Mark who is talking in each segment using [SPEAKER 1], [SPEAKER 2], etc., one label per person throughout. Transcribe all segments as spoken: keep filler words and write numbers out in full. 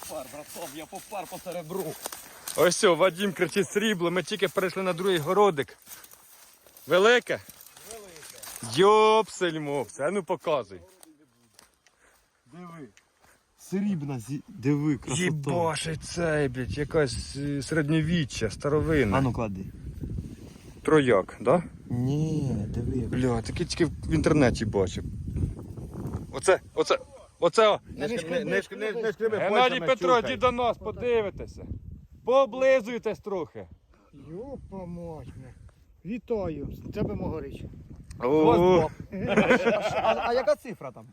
[SPEAKER 1] попар, братом, я попар по серебру.
[SPEAKER 2] Ось все, Вадим кричить срібло, ми тільки перейшли на другий городик. Велике? Велике. Йопсель-мопсель, а ну показуй.
[SPEAKER 1] Диви. Срібна, зі... диви, красота.
[SPEAKER 2] Єбаше цей, блядь, якась е, середньовіччя, старовинна.
[SPEAKER 1] А ну клади.
[SPEAKER 2] Трояк, да?
[SPEAKER 1] Ні, диви.
[SPEAKER 2] Бля, таке тільки в інтернеті бачив. Оце, оце, оце. о.
[SPEAKER 1] Не шкреби, не шкреби, не шкреби
[SPEAKER 2] Геннадій
[SPEAKER 1] пальцями,
[SPEAKER 2] Петро,
[SPEAKER 1] чухай.
[SPEAKER 2] йди до нас, подивитеся. Пооблизуйтесь трохи.
[SPEAKER 3] Йопа мать. Вітаю, з тебе Могорич.
[SPEAKER 2] О,
[SPEAKER 1] А, а яка цифра там?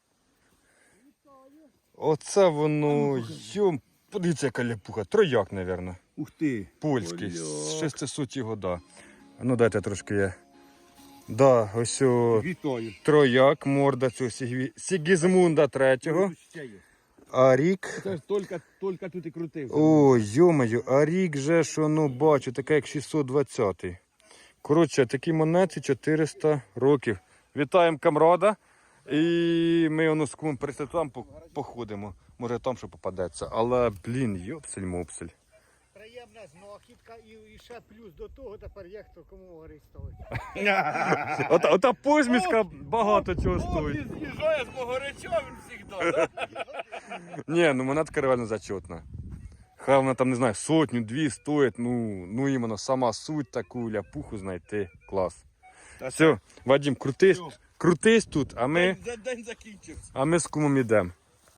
[SPEAKER 2] оце воно, йом, подивіться, яка ляпуха. Трояк, мабуть.
[SPEAKER 1] Ух ти.
[SPEAKER 2] Польський, з шестисот года. А ну дайте трошки я. Да, ось о,
[SPEAKER 1] Вітаю.
[SPEAKER 2] трояк, морда цього Сігві- Сігізмунда третього.
[SPEAKER 1] Ще є.
[SPEAKER 2] А рік.
[SPEAKER 1] Це ж тільки, тільки тут і крутився.
[SPEAKER 2] Ой, йомаю, а рік же, що ну бачу, таке як шістсот двадцятий. Коротше, такі монети чотириста років. Вітаємо камрада. І ми воно з кумом перейшли там по- походимо. Може там що попадеться. Але, блін, йопсель-мопсель.
[SPEAKER 3] Приємна знахідка і, і ще плюс до того тепер є хто кому Могорич ставить.
[SPEAKER 2] Ота, ота позміська багато чого стоїть.
[SPEAKER 1] з'їжджає з Могорича, він завжди.
[SPEAKER 2] Ні, ну монетка реально зачетна. Хай вона там, не знаю, сотню, дві стоїть, ну, ну іменно сама суть таку ляпуху знайти. Клас. Все, Вадим, крутись, крутись тут, а ми,
[SPEAKER 1] День закінчився.
[SPEAKER 2] а ми з кумом йдемо.